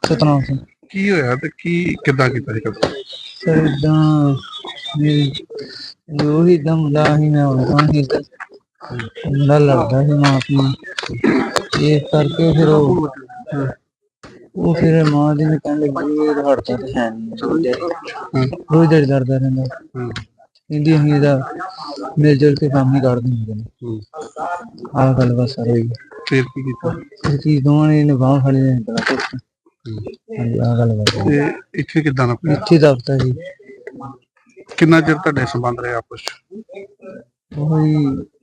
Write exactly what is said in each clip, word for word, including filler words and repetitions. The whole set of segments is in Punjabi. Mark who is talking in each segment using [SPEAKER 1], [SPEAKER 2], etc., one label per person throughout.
[SPEAKER 1] ਸਤਨਾਮ ਸਿੰਘ।
[SPEAKER 2] ਕੀ ਹੋਇਆ ਤੇ ਕੀ ਕਿੱਦਾਂ ਕੀਤਾ ਸੀ ਕਤਲ?
[SPEAKER 1] ਸਰ ਏਦਾਂ ਉਹੀ ਏਦਾਂ ਮੁੰਡਾ ਸੀ, ਮੈਂ ਆਉਂਦਾ ਸੀ ਇੱਧਰ, ਮੁੰਡਾ ਲੜਦਾ ਸੀ ਮਾਂ ਆਪਣੀ, ਇਸ ਕਰਕੇ ਫਿਰ ਉਹ ਉਹ ਫਿਰ ਮਾਂ ਦੀ ਨੇ ਕਹਿਣ ਲੱਗੀ ਇਹ ਹੜਦਾ ਤੇ ਹੈ ਨੀ, ਰੋਜ਼ ਦਿਹਾੜੀ ਲੜਦਾ ਰਹਿੰਦਾ, ਕਹਿੰਦੀ ਅਸੀਂ ਇਹਦਾ ਮਿਲ ਜੁਲ ਕੇ ਕੰਮ ਹੀ ਕੱਢ ਦਿੰਦੇ ਨੇ। ਆਹ ਗੱਲ ਬਸ ਸਰ ਹੋਈ।
[SPEAKER 2] ਫਿਰ ਕੀ ਕੀਤਾ?
[SPEAKER 1] ਇਹ ਚੀਜ਼ ਦੋਵਾਂ ਨੇ ਬਾਂਹ ਫੜੀ ਨੇ ਬੜਾ ਕੁਛ। ਹਾਂਜੀ ਆਹ ਗੱਲ ਬਸ।
[SPEAKER 2] ਤੇ ਇੱਥੇ ਕਿੱਦਾਂ ਨਾ
[SPEAKER 1] ਇੱਥੇ ਦਫਤਰ ਜੀ।
[SPEAKER 2] ਕਿੰਨਾ ਚਿਰ ਤੁਹਾਡੇ ਸੰਬੰਧ ਰਹੇ ਆਪਸ ਚ?
[SPEAKER 1] ਉਹੀ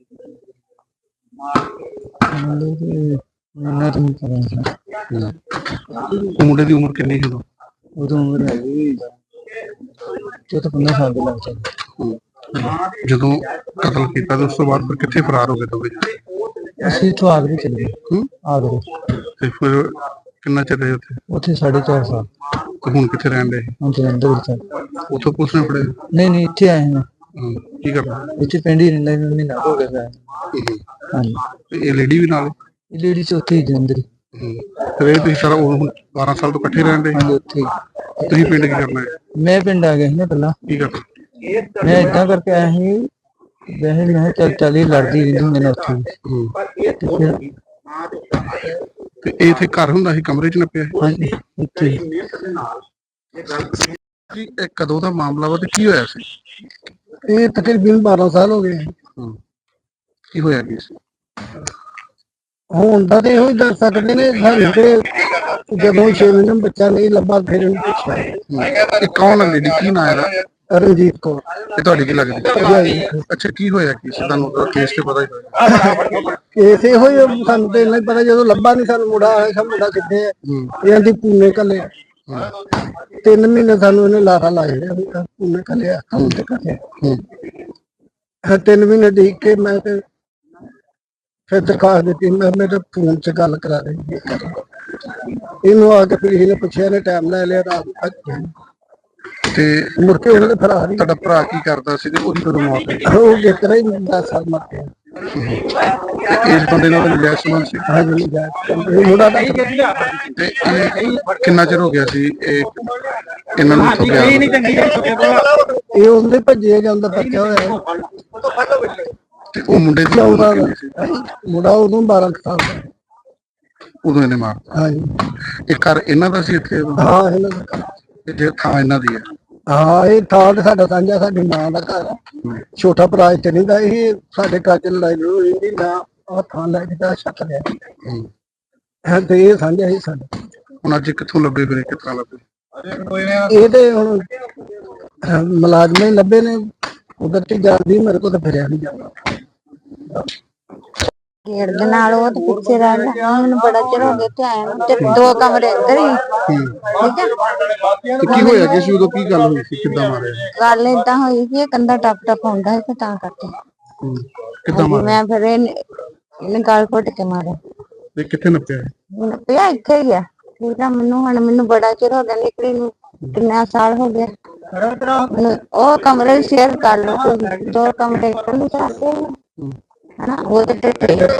[SPEAKER 1] ਇੰਨਾ ਤਾਂ ਨਹੀਂ ਪਤਾ।
[SPEAKER 2] ਮੁੰਡੇ ਦੀ ਉਮਰ ਕਿੰਨੀ ਸੀ ਉਦੋਂ?
[SPEAKER 1] ਉਦੋਂ ਉਮਰ ਹੈਗੀ ਚੌਦਾਂ ਪੰਦਰਾਂ ਸਾਲ ਦੇ ਲੱਗ ਜਾਂਦੇ।
[SPEAKER 2] ਜਦੋਂ ਕਤਲ ਕੀਤਾ ਤੇ ਉਸ ਤੋਂ ਬਾਅਦ ਫਿਰ ਕਿੱਥੇ ਫਰਾਰ ਹੋ ਗਏ ਦੋਵੇਂ?
[SPEAKER 1] ਅਸੀਂ ਇੱਥੋਂ ਆਗਰੇ ਚਲੇ ਗਏ। ਆਗਰੇ।
[SPEAKER 2] ਤੇ ਫਿਰ ਕਿੰਨਾ ਚਿਰ ਰਹੇ ਉੱਥੇ?
[SPEAKER 1] ਉੱਥੇ ਸਾਢੇ ਚਾਰ ਸਾਲ।
[SPEAKER 2] ਤੇ ਹੁਣ ਕਿੱਥੇ ਰਹਿਣ ਦੇ?
[SPEAKER 1] ਹੁਣ ਜਲੰਧਰ ਵਿੱਚ।
[SPEAKER 2] ਉੱਥੋਂ ਪੁਲਿਸ ਨੇ ਫੜੇ?
[SPEAKER 1] ਨਹੀਂ ਨਹੀਂ ਇੱਥੇ ਆਏ ਹਾਂ।
[SPEAKER 2] ਕੀ ਕਰਨਾ
[SPEAKER 1] ਇੱਥੇ ਪਿੰਡ ਹੀ ਰਹਿੰਦਾ, ਮਹੀਨਾ ਹੋ ਗਿਆ। ਹਾਂਜੀ।
[SPEAKER 2] ਇਹ ਲੇਡੀ ਵੀ ਨਾਲ?
[SPEAKER 1] ਇਹ ਲੇਡੀ ਚ ਉੱਥੇ ਹੀ ਜਲੰਧਰ ਹੀ।
[SPEAKER 2] ਤੇ ਤੁਸੀਂ ਸਾਰਾ ਬਾਰਾਂ ਸਾਲ ਤੋਂ ਇਕੱਠੇ ਰਹਿੰਦੇ?
[SPEAKER 1] ਹਾਂਜੀ ਉੱਥੇ ਹੀ।
[SPEAKER 2] ਤੁਸੀਂ ਪਿੰਡ ਕੀ ਕਰਨਾ ਹੈ?
[SPEAKER 1] ਮੈਂ ਪਿੰਡ ਆ ਗਿਆ ਸੀ ਨਾ ਪਹਿਲਾਂ।
[SPEAKER 2] ਕੀ ਕਰਨਾ?
[SPEAKER 1] ਮੈਂ ਏਦਾਂ ਕਰਕੇ ਆਇਆ ਸੀ, ਵੈਸੇ ਵੀ ਮੈਂ ਚੱਲ ਚੱਲ ਹੀ ਲੜਦੀ ਰਹਿੰਦੀ ਹੁੰਦੀ ਨੇ ਉੱਥੇ।
[SPEAKER 2] ਤੇ ਇਹ ਇੱਥੇ ਘਰ ਹੁੰਦਾ ਸੀ, ਕਮਰੇ ਚ ਨੱਪਿਆ?
[SPEAKER 1] ਹਾਂਜੀ ਇੱਥੇ।
[SPEAKER 2] ਇਹ ਕਦੋਂ ਦਾ ਮਾਮਲਾ ਵਾ ਤੇ ਕੀ ਹੋਇਆ ਸੀ?
[SPEAKER 1] ਇਹ ਤਕਰੀਬਨ ਬਾਰਾਂ ਸਾਲ ਹੋ ਗਏ।
[SPEAKER 2] ਕੀ ਹੋਇਆ ਕੀ ਸੀ?
[SPEAKER 1] ਹੁਣ ਤਾਂ ਇਹੋ ਹੀ ਦੱਸ ਸਕਦੇ ਨੇ ਸਾਨੂੰ ਤੇ ਜਦੋਂ ਛੇ ਮਹੀਨੇ ਬੱਚਾ ਨਹੀਂ ਲੱਭਾ ਫਿਰ ਇਹਨੂੰ ਪੁੱਛਿਆ।
[SPEAKER 2] ਇਹ ਕੌਣ ਹੈ ਲੇਡੀ? ਕੀ ਨਾਂ ਇਹਦਾ?
[SPEAKER 1] ਰਣਜੀਤ ਕੌਰ।
[SPEAKER 2] ਇਹ ਤੁਹਾਡੀ ਕੀ ਲੱਗਦੀ? ਅੱਛਾ ਕੀ ਹੋਇਆ ਕੀ ਸੀ? ਤੁਹਾਨੂੰ ਕੇਸ ਤੇ ਪਤਾ ਹੀ ਹੋਇਆ?
[SPEAKER 1] ਕੇਸ ਇਹੋ ਹੀ ਸਾਨੂੰ ਤੇ ਇੰਨਾ ਹੀ ਪਤਾ, ਜਦੋਂ ਲੱਭਾ ਨਹੀਂ ਸਾਨੂੰ ਮੁੰਡਾ ਆਇਆ, ਮੁੰਡਾ ਕਿੱਥੇ ਹੈ ਇਹਨਾਂ ਦੀ ਪੂਨੇ ਕੱਲੇ। ਤਿੰਨ ਮਹੀਨੇ ਸਾਨੂੰ ਇਹਨੇ ਲਾਰਾ ਲਾਇਆ ਰਿਹਾ ਪੂਨੇ ਕੱਲਿਆ ਕੰਮ ਤੇ ਕੱਲਿਆ। ਤਿੰਨ ਮਹੀਨੇ ਦੇਖ ਕੇ ਮੈਂ ਤੇ ਫਿਰ ਦਰਖਾਸਤ ਦਿੱਤੀ, ਮੈਂ ਮੇਰੇ ਫੋਨ ਚ ਗੱਲ ਕਰਾ ਰਹੀ ਇਹਨੂੰ ਆ ਕੇ ਫਿਰ ਇਹਨੇ ਪੁੱਛਿਆ, ਨੇ ਟਾਈਮ ਲੈ ਲਿਆ ਰਾਤ ਤੱਕ
[SPEAKER 2] ਤੇ
[SPEAKER 1] ਮੁੜ ਕੇ ਉਹਨੇ ਫਰਾਰ ਹੀ।
[SPEAKER 2] ਤੁਹਾਡਾ ਭਰਾ ਕੀ ਕਰਦਾ ਸੀ ਤੇ ਉਹਦੀ ਕਦੋਂ ਮੌਤ ਹੋਈ?
[SPEAKER 1] ਉਹ ਜਿੱਤਰਾ ਹੀ ਦਸ ਸਾਲ ਮਰ ਗਿਆ।
[SPEAKER 2] ਇਸ ਬੰਦੇ ਨਾਲ ਮਿਲਿਆ ਸੰਬੰਧ ਸੀ?
[SPEAKER 1] ਹਾਂਜੀ ਮੁੰਡਾ ਦਾ।
[SPEAKER 2] ਤੇ ਇਹ ਕਿੰਨਾ ਚਿਰ ਹੋ ਗਿਆ ਸੀ ਇਹ ਇਹਨਾਂ ਨੂੰ ਉੱਥੋਂ ਗਿਆ?
[SPEAKER 1] ਇਹ ਉਹਦੇ ਭੱਜੇ ਜਾਂਦਾ ਬੱਚਾ ਹੋਇਆ।
[SPEAKER 2] ਤੇ ਉਹ ਮੁੰਡੇ ਦੀ
[SPEAKER 1] ਚੌਦਾਂ ਦਾ ਮੁੰਡਾ ਉਦੋਂ ਬਾਰਾਂ ਸਾਲ ਦਾ।
[SPEAKER 2] ਉਦੋਂ ਇਹਨੇ ਮਾਰਤਾ?
[SPEAKER 1] ਹਾਂਜੀ।
[SPEAKER 2] ਇਹ ਘਰ ਇਹਨਾਂ ਦਾ ਸੀ ਇੱਥੇ?
[SPEAKER 1] ਹਾਂ ਇਹਨਾਂ ਦਾ।
[SPEAKER 2] ਇਹ ਥਾਂ ਇਹਨਾਂ ਦੀ ਹੈ?
[SPEAKER 1] ਹਾਂ ਇਹ ਥਾਂ ਤੇ ਸਾਡਾ ਸਾਂਝਾ, ਸਾਡੀ ਮਾਂ ਦਾ ਘਰ ਆ। ਛੋਟਾ ਭਰਾ ਇੱਥੇ ਨਹੀਂ ਦਾ, ਇਹ ਸਾਡੇ ਘਰ ਚ ਲੜਾਈ ਲੜੂਈ ਹੁੰਦੀ ਨਾ, ਆਹ ਥਾਂ ਲੈ ਕੇ ਤਾਂ ਛੱਤ ਲਿਆ ਤੇ ਇਹ ਸਾਂਝਾ ਹੀ ਸਾਡਾ।
[SPEAKER 2] ਹੁਣ ਅੱਜ ਕਿੱਥੋਂ ਲੱਭੇ ਫਿਰ? ਕਿਸ ਤਰ੍ਹਾਂ ਲੱਭੇ?
[SPEAKER 1] ਇਹ ਤੇ ਹੁਣ ਮੁਲਾਜ਼ਮ ਹੀ ਲੱਭੇ ਨੇ, ਉਧਰ ਤੇ ਜਾਂਦੀ ਮੇਰੇ ਕੋਲ ਤਾਂ ਫਿਰਿਆ ਨਹੀਂ ਜਾਂਦਾ।
[SPEAKER 3] ਗੇੜ ਦੇ ਨਾਲ ਉਹ ਤੇ ਪਿੱਛੇ ਰਹਿੰਦਾ। ਮੈਨੂੰ ਬੜਾ ਚਿਰ ਹੋ ਗਿਆ ਇੱਥੇ ਆਇਆ ਨੂੰ, ਤੇ ਦੋ ਕਮਰੇ ਅੰਦਰ ਹੀ। ਠੀਕ ਹੈ।
[SPEAKER 2] ਤੇ ਕੀ ਹੋਇਆ? ਕਿਸ ਉਦੋਂ ਕੀ ਗੱਲ ਹੋਈ ਸੀ? ਕਿੱਦਾਂ ਮਾਰਿਆ?
[SPEAKER 3] ਗੱਲ ਏਦਾਂ ਹੋਈ ਕਿ ਕੰਧਾ ਟੱਪ ਟੱਪ ਹੁੰਦਾ ਸੀ ਤਾਂ ਕਰਕੇ।
[SPEAKER 2] ਕਿੱਦਾਂ ਮਾਰਿਆ?
[SPEAKER 3] ਮੈਂ ਫਿਰ ਇਹਨੇ ਗਲ ਘੁੱਟ ਕੇ ਮਾਰਿਆ।
[SPEAKER 2] ਤੇ ਕਿੱਥੇ ਨੱਪਿਆ?
[SPEAKER 3] ਨੱਪਿਆ ਇੱਥੇ ਹੀ ਆ। ਠੀਕ ਆ। ਮੈਨੂੰ ਹੁਣ ਮੈਨੂੰ ਬੜਾ ਚਿਰ ਹੋ ਗਿਆ ਨਿਕਲੀ ਨੂੰ, ਕਿੰਨਾ ਸਾਲ ਹੋ ਗਿਆ। ਉਹ ਕਮਰੇ ਸ਼ੇਅਰ ਕਰ ਲਓ, ਦੋ ਕਮਰੇ ਇਕੱਲੇ ਚਾਹਤੇ ਹਨਾ। ਉਹ ਤੇ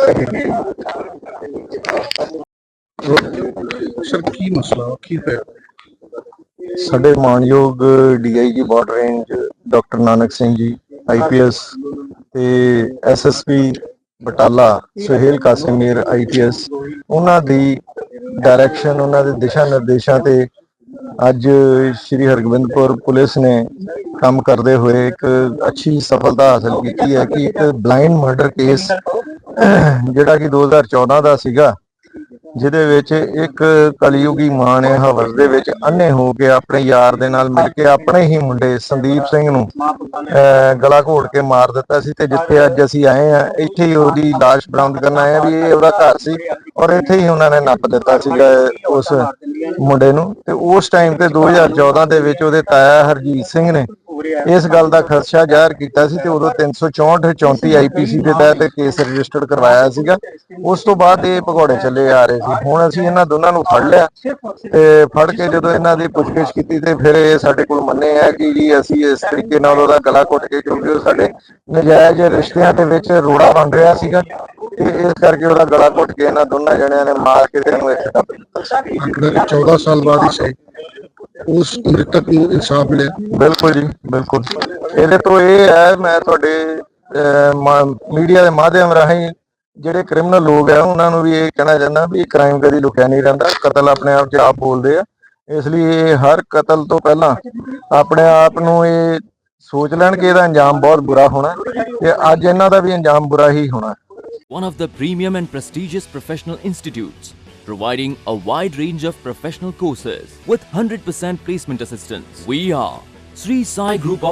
[SPEAKER 2] ਸਰ ਕੀ ਮਸਲਾ ਕੀ ਹੋਇਆ?
[SPEAKER 4] ਸਾਡੇ ਮਾਨਯੋਗ D I G border range doctor Nanak Singh ji I P S ਤੇ S S P Batala Suhail Kasimir I P S, ਉਹਨਾਂ ਦੀ ਡਾਇਰੈਕਸ਼ਨ, ਉਹਨਾਂ ਦੇ ਦਿਸ਼ਾ ਨਿਰਦੇਸ਼ਾਂ ਤੇ ਅੱਜ ਸ਼੍ਰੀ ਹਰਗੋਬਿੰਦਪੁਰ ਪੁਲਿਸ ਨੇ ਕੰਮ ਕਰਦੇ ਹੋਏ ਇੱਕ ਅੱਛੀ ਸਫਲਤਾ ਹਾਸਲ ਕੀਤੀ ਹੈ ਕਿ ਇੱਕ ਬਲਾਈਂਡ ਮਰਡਰ ਕੇਸ ਜਿਹੜਾ ਕਿ ਦੋ ਹਜ਼ਾਰ ਚੌਦਾਂ ਦਾ ਸੀਗਾ, ਜਿਹਦੇ ਵਿੱਚ ਇੱਕ ਕਲਯੁਗੀ ਮਾਂ ਨੇ ਹਵਸ ਦੇ ਵਿੱਚ ਅੰਨੇ ਹੋ ਕੇ ਆਪਣੇ ਯਾਰ ਦੇ ਨਾਲ ਮਿਲ ਕੇ ਆਪਣੇ ਹੀ ਮੁੰਡੇ ਸੰਦੀਪ ਸਿੰਘ ਨੂੰ ਗਲਾ ਘੋਟ ਕੇ ਮਾਰ ਦਿੱਤਾ ਸੀ। ਤੇ ਜਿੱਥੇ ਅੱਜ ਅਸੀਂ ਆਏ ਆ, ਇੱਥੇ ਹੀ ਉਹਦੀ ਲਾਸ਼ ਬਰਾਮਦ ਕਰਨ ਆਏ ਆ ਵੀ ਇਹ ਉਹਦਾ ਘਰ ਸੀ ਔਰ ਇੱਥੇ ਹੀ ਉਹਨਾਂ ਨੇ ਨੱਪ ਦਿੱਤਾ ਸੀਗਾ ਉਸ ਮੁੰਡੇ ਨੂੰ। ਤੇ ਉਸ ਟਾਈਮ ਤੇ ਦੋ ਹਜ਼ਾਰ ਚੌਦਾਂ ਦੇ ਵਿੱਚ ਉਹਦੇ ਤਾਇਆ ਹਰਜੀਤ ਸਿੰਘ ਨੇ ਇਸ ਗੱਲ ਦਾ ਖਦਸ਼ਾ ਜ਼ਾਹਿਰ ਕੀਤਾ ਸੀ ਤੇ ਉਦੋਂ ਤਿੰਨ ਸੌ ਚੌਂਹਠ ਚੌਂਤੀ ਆਈ ਪੀ ਸੀ ਦੇ ਤਹਿਤ ਕੇਸ ਰਜਿਸਟਰਡ ਕਰਵਾਇਆ ਸੀਗਾ। ਉਸ ਤੋਂ ਬਾਅਦ ਇਹ ਭਗੌੜੇ ਚੱਲੇ ਆ ਰਹੇ ਸੀ। ਹੁਣ ਅਸੀਂ ਇਹਨਾਂ ਦੋਨਾਂ ਨੂੰ ਫੜ ਲਿਆ ਤੇ ਫੜ ਕੇ ਜਦੋਂ ਇਹਨਾਂ ਦੀ ਪੁੱਛਗਿੱਛ ਕੀਤੀ ਤੇ ਫਿਰ ਇਹ ਸਾਡੇ ਕੋਲ ਮੰਨੇ ਆ ਕਿ ਜੀ ਅਸੀਂ ਇਸ ਤਰੀਕੇ ਨਾਲ ਉਹਦਾ ਗਲਾ ਘੁੱਟ ਕੇ, ਕਿਉਂਕਿ ਉਹ ਸਾਡੇ ਨਜਾਇਜ਼ ਰਿਸ਼ਤਿਆਂ ਦੇ ਵਿੱਚ ਰੋੜਾ ਬਣ ਰਿਹਾ ਸੀਗਾ, ਤੇ ਇਸ ਕਰਕੇ ਉਹਦਾ ਗਲਾ ਘੁੱਟ ਕੇ ਇਹਨਾਂ ਦੋਨਾਂ ਜਣਿਆਂ ਨੇ ਮਾਰ ਕੇ ਤੇ ਇਹਨੂੰ ਇੱਥੇ ਦੱਬ ਦਿੱਤਾ।
[SPEAKER 2] ਆਖਰ ਚੌਦਾਂ ਸਾਲ ਬਾਅਦ ਹੀ ਸਹੀ ਉਸ ਮ੍ਰਿਤਕ ਨੂੰ ਇਨਸਾਫ ਮਿਲਿਆ।
[SPEAKER 4] ਬਿਲਕੁਲ ਜੀ ਬਿਲਕੁਲ। ਇਹਦੇ ਤੋਂ ਇਹ ਹੈ, ਮੈਂ ਤੁਹਾਡੇ ਮੀਡੀਆ ਦੇ ਮਾਧਿਅਮ ਰਾਹੀਂ ਜਿਹੜੇ ਕ੍ਰਿਮੀਨਲ ਲੋਕ ਆ ਉਹਨਾਂ ਨੂੰ ਵੀ ਇਹ ਕਹਿਣਾ ਚਾਹੁੰਦਾ ਵੀ ਕ੍ਰਾਈਮ ਕਦੀ ਲੁਕਿਆ ਨਹੀਂ ਰਹਿੰਦਾ, ਕਤਲ ਆਪਣੇ ਆਪ 'ਚ ਆਪ ਬੋਲਦੇ ਆ। ਇਸ ਲਈ ਇਹ ਹਰ ਕਤਲ ਤੋਂ ਪਹਿਲਾਂ ਆਪਣੇ ਆਪ ਨੂੰ ਇਹ ਸੋਚ ਲੈਣ ਕਿ ਇਹਦਾ ਅੰਜਾਮ ਬਹੁਤ ਬੁਰਾ ਹੋਣਾ, ਤੇ ਅੱਜ ਇਹਨਾਂ ਦਾ ਵੀ ਅੰਜਾਮ ਬੁਰਾ ਹੀ ਹੋਣਾ।
[SPEAKER 5] One of the premium and prestigious professional institutes, providing a wide range of professional courses with one hundred percent placement assistance. We are Sri Sai Group of